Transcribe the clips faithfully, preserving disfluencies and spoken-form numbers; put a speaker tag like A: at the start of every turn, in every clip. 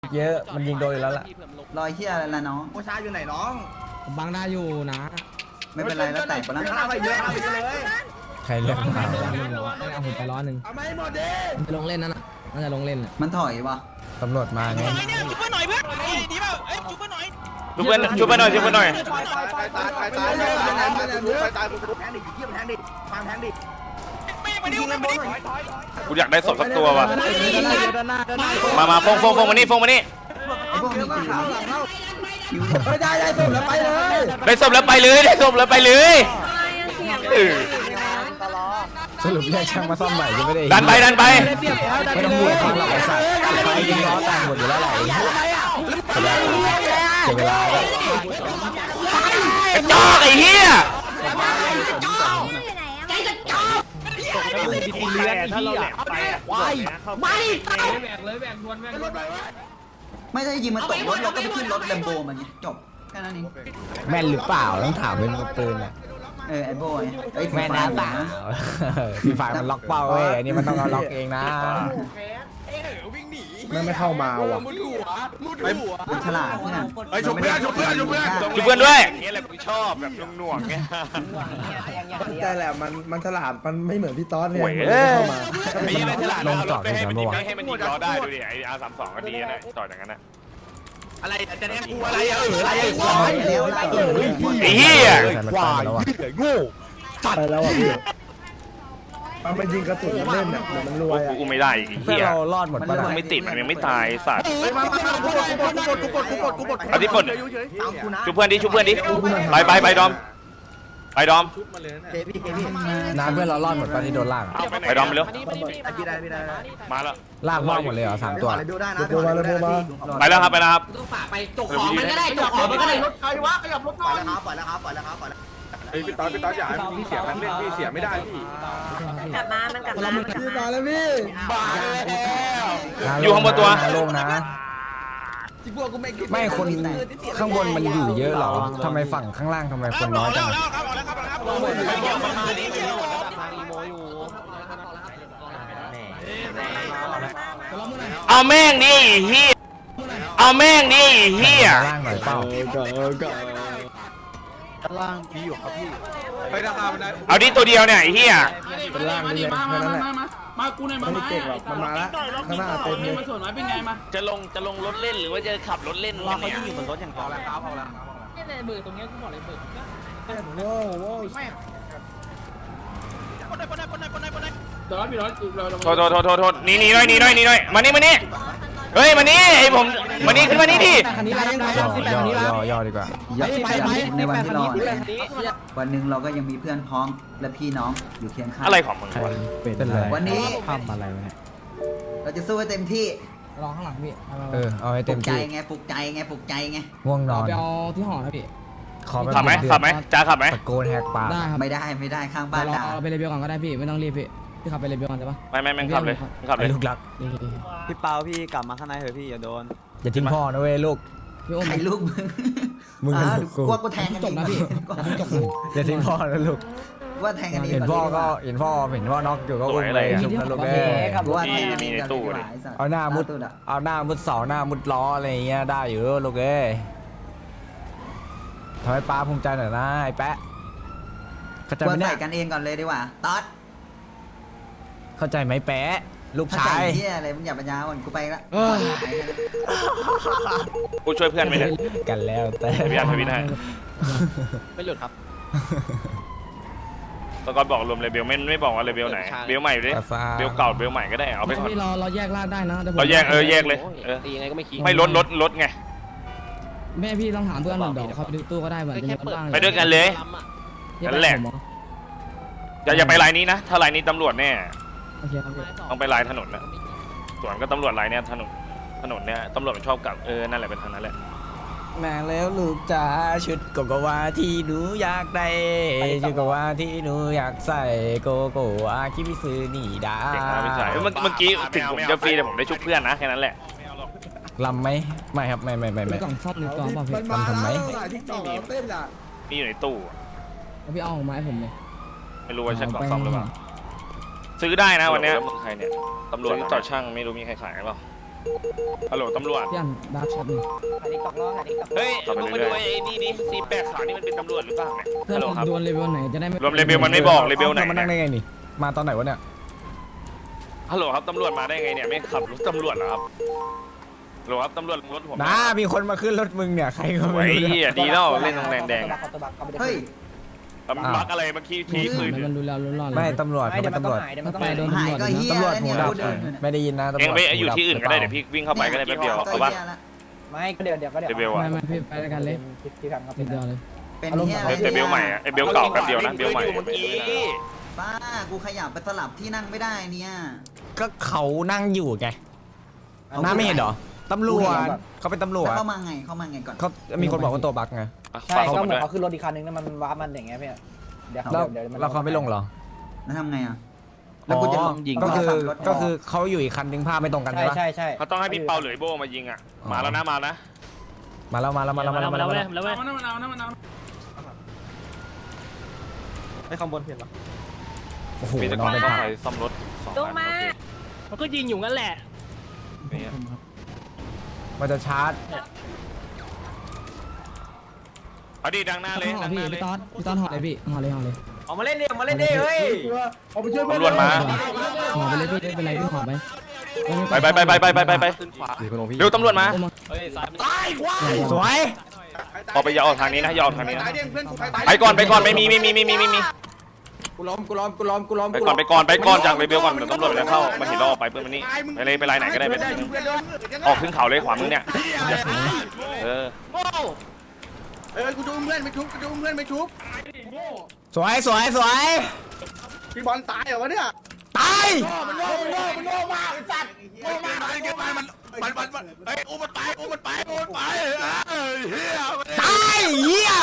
A: เยอะมันยิงโดนอยู่แล้วล่ะ
B: รอยเฮียอะไรล่ะน้อง
C: ผู้ชายอยู่ไหนน้อง
D: บังได้อยู่นะ
B: ไม่เป็นไรแล้วแต่คนละ
C: ข้าไปเยอะข้าไปเลย
A: ใครเรียกมา
D: เอาผมไปร้อนหนึ่ง
C: เอาไม่หมดดิ
D: จะลงเล่นนั่นน่ะน่าจะลงเล่นน่ะ
B: มันถอยวะ
A: ตำรวจมาไง
E: จุ๊บเพื่อนหน่อยเพื่อนดีเปล่าเอ้ยจุ๊บเพื่อนหน่อย
F: ชุบเพื่อนชุบเพื่อนหน่อยชุบเพื่อนหน่อย
C: ตายตายตายตายตายตายตายตายแทงดิเยี่ยมแทงดิฟังแทงดิ
E: ไม่มาดิวมาดิ
F: กูอยากได้ศพสักตัวว่ะมามาฟงฟงฟงมานี่ฟงมานี่
B: ไอ้พวกมีปืน
C: ไม่ได้ได้ส่งแล้วไปเลย
F: ได้ศพแล้วไปเลยได้ศพแล้วไปเลยเออ
A: สรุปเรียกช่างมาซ่อมใหม่จะไม่ได้
F: ดันไปดันไป
A: ไม่ต้องบวกความหลักไอ้สัตว์ใครยิงล้อแต่งหมดอยู่แล้วแหละเสียเวลาแบบ
F: กระจอกไอ้เหี้ย
E: เลือดถ้าเราแหลกไปวายมาดิแหวกเลยแหวกดวนแหวกดวน
B: ไม่ได้ยิงมันตกรถเราก็ไปขึ้นรถแลมโบมันไงจบแค่นั้นเอง
A: แม่นหรือเปล่าต้องถามเป็นปืนอ่ะ
B: เออไอ้โบ้ไงไอ้
A: แม่นนะเปล่าพี่ฝ่ายมันล็อกเป้าเว้ยอันนี้มันต้องเอาล็อกเองนะ
C: ไม่ไม่เข้ามาว่ะ
B: มันฉลาดเพื่อน
F: ไอ้ชุบเพื่อนชุบเพื่อนชุบเพื่อนชุบเพื่อนด้วยนี่แหละกูชอบแบบหน่วงๆเงี้ย
C: ใช่แหละมันมันฉลาดมันไม่เหมือนพี่ต๊อดเนี่ย
F: โอ้ย
C: เข้ามา
F: ไอ้ยี่ไม่ฉลาดเอารถไปให้มันยิงให้มันยิงล้อได้ดูดิไอ้อาร์สามสองก็ดีนะต่อจากนั้นนะ
E: อะไรจะแทงกูอะไรอะเอออะไร
B: เร็วไล่เออ
F: ไอ้เหี้ย
A: ควายแล้วอ่ะ
C: ไปแล้วอ่ะพี่มันไปยิงกระสุนเล่นเนี่ยเดี๋ยวมันรวยอ่ะ
F: กูไม่ได้อีก
A: เพื่อ
F: เหี้ย
A: เรารอดหมดปะล่ะ
F: ไม่ติดมันยังไม่ตายสัตว์
C: มามามากูกดกูกดกูกดกูกดกูกดกูกด
F: เอาที่ปลด
C: ตามกูนะ
F: ชุบเพื่อนดิชุบเพื่อนดิไปไปไปดอมไปดอม
C: เคพี่เคพี่
A: น้ำเพื่อนเรารอดหมดปะที่โดนลาก
F: ไปดอมไปเร็ว
C: พี่ได้พี่ได้
F: มาแล้ว
A: ลากว่างหมดเลยเหรอสามตัว
C: ดูได้นะดูมาเลยดูมา
F: ไปแล้วครับไปแล้วครับ
E: ต้องฝากไปจกของมันก็ได้จกของมันก็ได้รถใครวะขยับรถห
C: ป
E: น่
C: ล่
E: อ
C: อย
E: ย
C: แล้วครับปล่อยแล้วครับปล่อยแล้วครับปล่อยแล้ว
G: พี่ต๊อดพี่ต๊อดอย่าให้พี่เสียมันเล่นพี่เสียไม่ได้พี่
H: กลับมา มันกลับมามันกลับ
C: พี่
H: มา
C: มาแล้วพี่
F: อยู่ข้างบนตัว
A: ลงนะไม่คนข้างบนมันอยู่เยอะเหรอทำไมฝั่งข้างล่างทำไมคนน้อยจัง
F: เอาแม่งดิเฮียเอาแม่งดิเฮีย
A: ล่างหน่อยเปล่า
G: ไปราคามันได้
F: เอาดิตัวเดียวเนี่ยเฮีย
C: เป็นล่างนี่แค่นั้นแหละมากูหน่อยมาไม่เก่งหรอกมันมาแล้วข้างหน้าเต็มเลย
F: จะลงจะลงรถเล่นหรือว่าจะขับรถเล่นรอเขายิ่งอยู่บนรถอย่างเดียว
C: โว้โว้
F: โทษโทษโทษโทษโทษหนีหนีหน่อยหนีหน่อยหนีหน่อยมานี่มานี่เฮ้ยมานี่ไอ้ผมมานี่ขึ้นมานี่ดิ
D: คันนี้ไล่ยังไง
A: ย่อ
D: สิบแปด
A: ย่
D: คันนี้ไล่
A: อย่อย่อดีกว่า
B: อย่าในวันที่รอวันหนึ่งเราก็ยังมีเพื่อนพ้องและพี่น้องอยู่เคียงข้าง
F: อะไรของมึง
A: เป็นอะไร
B: วันนี้
A: ทำอะไรวะเนี่ย
B: เราจะสู้ให้เต็มที่
D: รอข้างหลังพี่
A: เออเอาให้
B: ปลุ
A: เต็ม
B: กใจ
A: ที่
B: ไงปลุกใจไงปลุกใจไง
A: ง่วงน
D: เอา
A: อน
D: ไปเอาที่หอนะพี่
A: ขอแบบ
F: ขับไหม
A: เดือด
F: ขับไหมจ้าขับไหม
A: ตะโกนแหกปาก
D: ได้ครับ
B: ไม่ได้ไม่ได้ข้างบ้าน
D: เรา
B: ด่า
D: เอาไปเรเบลก่อนก็ได้พี่ไม่ต้องรีบพี่พี่ขับไปเรเบลก่อนใช่ปะ
F: ไม่ไม่ไม่ขับเลยขับเล
A: ไอ้
F: ย
A: ลูกรัก
I: พี่เปาพี่กลับมาข้างในเถอะพี่อย่าโดน
A: อย่าทิ้งพ่อนะเว้ยลูก
D: พี่โอ้ม
B: ใครลูกมึง
A: มึง
B: อ่า
A: กับลูกกู
B: กลัวกูแทงกัน
D: จบนะพี่จบนะ
A: อย่าทิ้งพ่อนะลูก
B: ว่าแทงกันเอง
A: เห็นพ่อก็เห็นพ่อเห็นพ่อน็อกอยู่ก็อุ้มเลยชุบนะลูกเอ้ย
B: กูว่าแทงกันเองกันเลย
A: เอาหน้ามุดเอาหน้ามุดเสาหน้ามุดล้ออะไรอย่างเงี้ยได้อยู่ลูกเอ้ยทำให้ป้าภูมิใจหน่อยนะไอ้แปะเข้าใจ
B: ก
A: ไห
B: ว
A: ม
B: น
A: เนี่
B: ใส่
A: ย
B: กันเองก่อนเลยดีกว่าต๊อด
A: เข้าใจไหมแปะลูก
B: เข้าใจ
A: ชาย
B: เฮียอะไรมึงอย่าปัญญาอ่อนกูไปละ
F: กูช่วยเพื่อนไหมเนี่ย
A: กันแล้วแต่
F: พี่อันพี่ให้
E: ไม่หลุดครับ
F: ตะกอนบอกรวมเลเบลไม่ไม่บอกว่าเลเบลไหนเบลใหม่ดิเบลเก่าเบลใหม่ก็ได้เอาไปก่อน
D: พี่เราเราแยกลากได้นะ
F: เราแยกเออแยกเลยเออ
E: ตียังไงก็ไม่คิด
F: ไม่ลดลดลดไง
D: แม่พี่ต้องถามเพื่อนหน่อยเดี๋ยวเขาไปดูตู้ก็ได้เหมือนจะบ้าง
F: ไปด้วยกันเลย นั่นแหละ อย่าอย่าไปลายนี้นะถ้าลายนี้ตำรวจแน่
D: โอเคครับพี่
F: ต้องไปลายถนนนะส่วนก็ตำรวจลายเนี้ยถนนถนนเนี้ยตำรวจมันชอบกลับเออนั่นแหละเป็นทางนั้นแหละ
A: แม่แล้วลูกจ๋าชุดโกโกวาที่หนูอยากได้ชุดโกโกวาที่หนูอยากใส่โกโกวาคิมิซึนี่ดา
F: เก่งนะพี่ชายเมื่อเมื่อกี้ถึงผมจะฟรีแต่ผมได้ชุบเพื่อนนะแค่นั้นแหละ
A: ลำไหมไม่ครับไม่ไม่ไม่
D: มี
A: ไม่
D: กล่องซ่อมในกล่องเปล่าพี่
C: มันมาแล้วที่ต่อเต้นอ่ะ
F: มีอยู่ในตู้
D: พี่เอาออกมาให้ผมเลย
F: ไม่รู้ว่าใช่กล่องซ่อมหรือเปล่าซื้อได้นะวันเนี้ยใครเนี่ยตำรวจต่อช่างไม่รู้มีใครขายหรือเปล่าฮัลโหลตำรวจ
D: พี่อันดาร์กช็อตหนึ่ง
F: เฮ้ยมึงมาดูไอ้นี่นี่ซีแปดขาวนี่มันเป็นตำรวจหรือเปล่าเนี่ย
D: เพื่อ
F: ฮัลโหล
D: น
F: ครับ
D: ดวลเลเวลไหนจะได้ไม่
F: รวมเลเวลมันไม่บอกเลเวลไหน
A: มานั่งได้
F: เนี่ย
A: ไงนี่มาตอนไหนวะเนี่ย
F: ฮัลโหลครับตำรวจมาได้ไงเนี่ยไม่ขับรถตำรวจเหรอครับฮัลโหลครับตำรวจรถผม
A: น้ามีคนมาขึ้นรถมึงเนี่ยใครก็
F: ไอ้
A: ไม่รู้
F: เหี้
A: เนี่ย
F: ยดีแล้วเล่นโรงแรมแดง
B: เฮ้ย
F: ตำบักอะไรเมื่อกี้ทีคืน
D: มันดูแล้วรู้รอด
A: ไม่ตำรวจเขาเป็นตำรวจ
D: ไปโดน
B: หาย
D: ตำรวจ
B: ก็เฮีย
A: ตำรวจ
B: แล้ว
A: หู
B: เนี่ย
A: ดับ
B: กูเดินอยู่เนี่ย
A: ไม่ได้ยินนะตำรวจ
F: เองไปอยู่ที่อื่นก็ได้เดี๋ยวพี่วิ่งเข้าไปก็ได้แป๊บเดียวเอาปะ
E: ไม่ก็เดี๋ยวเดี๋ยวก็เดี๋ยว
F: เดเบลอะ
D: ไม่ไม่พี่ไปด้วยกันเลย
E: พี่ทำครับ
D: นิดเดียวเลย
B: เป็นเฮียอะไร
F: เดเบลใหม่อะเดเบลเก่าแป๊บเดียวนะเบลใหม่
B: บ้ากูขยับไปสลับที่นั่งไม่ได้เนี่ย
A: ก็เขานั่งอยู่ไงน้าไม่เห็นเหรอตำรวจเขาเป็นตำรวจ
B: แล้วเข้ามาไงเข้ามาไงก่อน
A: เขามีคนบอกว่าตัวบั๊กไง
E: ใช่ก็เหมือนเขาขึ้นรถอีกคันนึงนั่นมันว้ามันอย่างเงี้ยพี่เดี๋ยว
A: แล้ว
E: เดี๋ยว
A: แล้วเขาไม่ลงเหรอ
B: แล้วทำไงอ่ะ
A: อ๋
B: แล้วกูจะ
A: อ
B: ลงยิง
A: ก็คือ
B: ขับรถ
A: ก็คือเขาอยู่อีกคันนึงภาพไม่ตรงกัน
E: ใช่
A: ใช่ปะ
E: ใช่ใช่
F: เขาต้องให้พี่เปาหรือโบมายิงอ่ะมาแล้วนะมานะ
A: มาแล้วมาแล้วมาแล้วมาแล้วมาแล้วมาแล้ว
E: แล้วเว้ย
I: ไอ้ข้างบนเห็นปะ
A: โอ้โห
F: มีแต่
A: น
F: ก่
A: อ
F: อน น
A: ไป
F: เข้า
A: พัก
F: ไปซ่อมรถสอง
H: ลงมา
E: มันก็ยิงอยู่งั้นแหละ
F: นี่
A: มันจะชาร์จ
F: เอาดีดังหน้าเลย
D: ห่อ
F: ดังห
D: พี่
F: น้าเลย
D: พี่ตอนพี่ตอนห่อเลยพี่ห่อเลยห่อเลย
E: ออกมาเล่นดิออกมาเล่นดิเฮ้ย
C: เอาไปช่วยเพื่อน
F: ตำรวจมา
D: ห่อไปเลยพี่ไม่เป็นไรพี่ห่อไป
F: ไปไปไปไปไปไปไปไปเร็วตำรวจมา
A: สวย
F: ออกไปอย่าออกทางนี้นะอย่าออกทางนี้นะ
G: ตายเด้งเพื่อนกูตายตาย
F: ไปก่อนไปก่อนไม่มีไม่มีไม่มีไม่มี
G: กูล้อมกูล้อมกูล้อมกูล้อม
F: ไปก่อนไปก่อนไปก่อนจากเลยเบลก่อนเดี๋ยวตำรวจจะเข้ามาเห็นเราออกไปเพื่อนมันนี่ไปเลยไปไลน์ไหนก็ได้ไปออกขึ้นเขาเลยขวามือเนี่ยเออ
G: เออกูดูเพื่อนไม่ชุบกูดูเพื่อนไม่ชุบ
A: สวยสวยสวย
G: พี่บอลตายเหรอวะเนี่ย
A: ตาย
G: มันโง่มันโง่มันโง่มากไอ้สัตว์โง่มากมันมันมันมันมันเฮ้ยอุ้มมันไปอุ้มมันไปอุ้มมันไปเฮ้ยเฮีย
A: ตายเหี้ย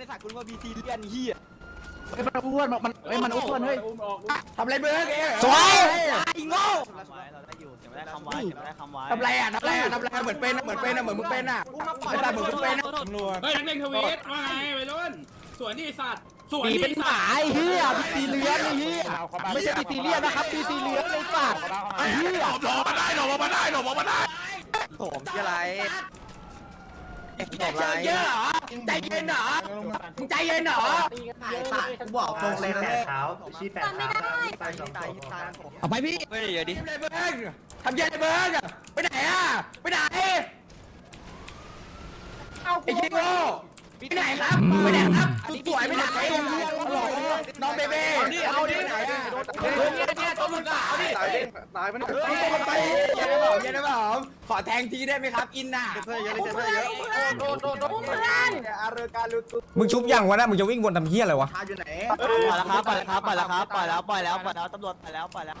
G: มันอ้วนมันเฮ้ยมันอ้วนเฮ้ยทำอะไรเบิร์กเอง
A: สวย
G: โง่
I: ได้คำไว้ได้คำไว้
G: ทำไรอ่ะทำไรอ่ะทำไรเหมือนเป็นเหมือนเป็นเหมือนมึงเป็นอ่ะไอ้สัตว์เหมือนมึงเป็นอ่ะ
E: เฮ้ยนักเล่นทวีตว่าไงวัยรุ่นสวนนี่สัตว์สวน
G: ปี
E: นี่
G: เป็นหมาไอ้เฮียปีเลี้ยงไอ้เฮียไม่ใช่ปีเลี้ยงนะครับปีเลี้ยงไอ้สัตว์ไอ้เฮียหลบมาได้หลบมาได้หลบมาได้
I: ผมที่อะไร
G: ใจเย็นเหรอใจเย็นเหรอมึงใจเย็นเหรอ
B: กูบอกตรงเลยนะ
H: จำไม่ได้
D: เอาไปพี่
I: เฮ้ยอย่าดิ
G: ทำอะไรเบิร์กทำเย็นเบิร์กไปไหนอ่ะไปไหนไอ้ยิงโง่ไปไหนครับไปไหนครับสวยไปไหนน้องเบเบ้เอาดิไหนอ่ะเนี่ยเนี่ยตัวมึงก็เอาดิตายดิตายมันไปเย็นได้เปล่าเย็นได้เปล่าขอแทงทีได้ไหมครับอินน่ะ
H: อุ้มเพื่อนอุ้มเพื่อน
G: อาร์การลุตุ
A: มึงชุบยังวะนะมึงจะวิ่งวนทำเหี้ยอะไรวะ
G: อยู่ไหน
I: ปล่อยแล้วครับปล่อยแล้วครับปล่อยแล้วครับปล่อยแล้วปล่อยแล้วปล่อยแล้วตำรวจปล่อยแล้วปล่อยแล้ว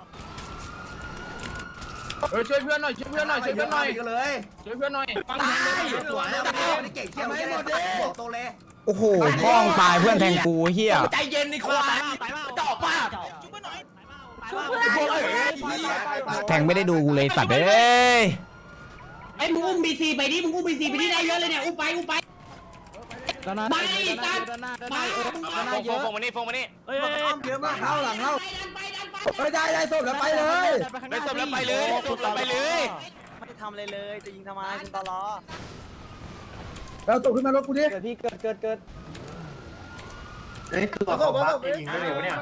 E: เฮ้ยช่วยเพื่อนหน่อยช่วยเพื่อนหน่อยช่วยเพื่อนหน่อย
G: กันเลย
E: ช่วยเพื่อนหน่อยฟัง
G: ตา
E: แทง
G: ย
E: เลย
G: สวยแล้วเก่งเที่ยวไม่หมดเลยโตเลย
A: โอ้โหพ้องตายเพื่อนแทงกูเหี้ย
G: ใจเย็นในควายจอบป่ะ
H: ชุบเพื่อน
A: แทงไม่ได้ดูกูเลยสัตว์เอ้ย
E: ไอ้มึงอุ้มบีซีไปดิมึงอุ้มบีซีไปดิได้เยอะเลยเนี่ยอุ้มไปอุ้มไป
D: ด้านหน้า
E: ไปตัดไป
F: ฟงฟงมานี่ฟงมานี่
I: เฮ้ย
G: เยอะมากเข้าหลังเข้า
E: ไปดันไป
G: ไม่ได้ได้ส่งแล้วไปเลย
F: ได้สมแล้วไปเลยสมแล้วไปเลย
I: ไม่ได้ทำอะไรเลยจะยิงทำไมคุณตลอ
C: แล้วตกขึ้นมารถกูดิ
E: เกิดพี่เกิดเกิดเกิด
G: เฮ้ยตัวเขาบ้ายิงได้เลยวะเนี่ย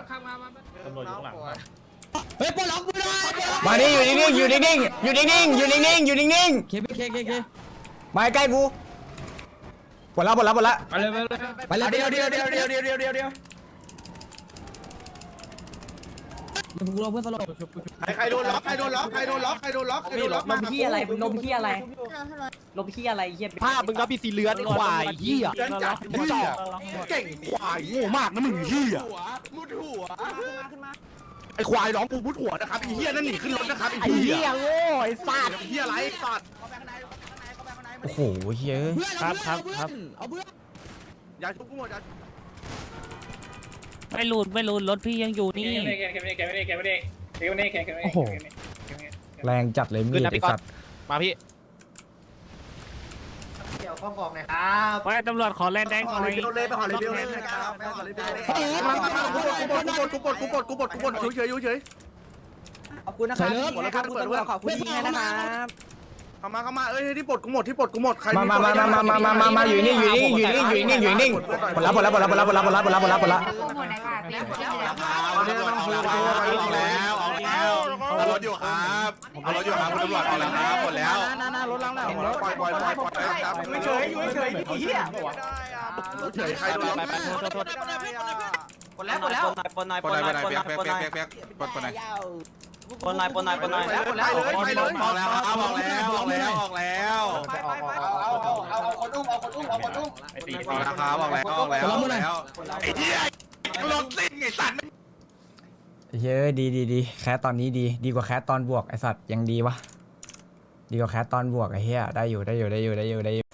D: เฮ้ยปลดล็อกมือหน่อย
A: มานี่อยู่นิ่งๆอยู่นิ่งๆอยู่นิ่งๆอยู่นิ่งๆอยู่นิ่ง
D: เคพี่เคเคเค
A: ๆมาใกล้กูหมดแล้วหมดแล้วหมดแล้ว
E: ไปเลยไปเลย
D: ไปเลย
G: เดียวเดียวเดียวเดียวเดียวเดียวเดียวเดียว
D: เดี๋ยวกูรอเพื่อนสลบ
G: ใครโดนล็อกใครโดนล็อกใครโดนล็อกใครโดนล็อกใครโดนล็อก
H: นมขี้อะไรนมขี้อะไรนมขี้อะไรเหี้ย
I: ภาพมึงรับพีซีเลือนควายเหี้ย
G: เดินจัดมึงจ่อเก่งควายโง่มากนะมึงเหี้ยมุดหัวไอ้ควายร้องกูมุดหัวนะครับไอ้เหี้ยนั่นหนีขึ้นรถนะครับไอ้เหี้ยโง่ไอ้สัตว์เหี้ยไรสัตว์
A: โอ้โหเฮ้ย
D: ครับครับครับเอาเพื่อน
G: อย่าชุบกูหมดอย่า
J: ไม่รูดไม่รูดรถพี่ยังอยู่นี่
A: โอ้โหแรงจัดเลยมีดไอ้สัตว์
I: มาพี่
G: เดี๋ยวข้องออกหน่อยครับ
J: ไว้ตำรวจขอแลนแดงหน่อย
G: ไปหอเลยไปหอเลยไปหอเลยนะครับไปหอเลยไปหอเลยกูกดกูกดกูกดกูกดกูกดกูกดเฉยเฉยเฉย
E: ขอบคุณนะครับขอบคุณตำรวจขอบคุณที่ให้นะครับ
G: เข้ามาเข้ามาเอ้ยที่ปลดกูหมดที่ปลดกูหมดใคร
A: มามามามามามามามาอยู่นี่อยู่นี่อยู่นี่อยู่นี่อยู่นี่ปลดละปลดละปลดละปลดละปลดละปลดละปลดละปลดละปลดละ
G: เอารถอยู่ครับเอารถอยู่ครับคุณตำรวจเอาแล้วครับหมดแล้วรถล้างหน้าปล่อยปล่อยปล่อยปล่อยไม่เฉยอยู่เฉยพี่เหี้ยเฉยใครโดน
I: ปนแล้วปนแล้วปนหน่อยปนหน่อยปนหน่อยปนหน่อยปนหน่อยปนหน่อยปนหน่อยปนหน่อยปนหน่อย
G: ไปเลยไปเลยออกแล้วครับออกแล้วออกแล้วออกแล้วเอาเอาเอาคนอุ้มเอาคนอุ้มเอาคนอุ้มออกแล้วครับออกแล้วออกแล้วออกแล้วไอ้เหี้ยรถซิ่งไอ้สัตว์
A: เยอะดีดีดีแคสตอนนี้ดีดีกว่าแคสตอนบวกไอสัตว์ยังดีวะดีกว่าแคสตอนบวกไอเหี้ยได้อยู่ได้อยู่ได้อยู่ได้อยู่ได้อยู่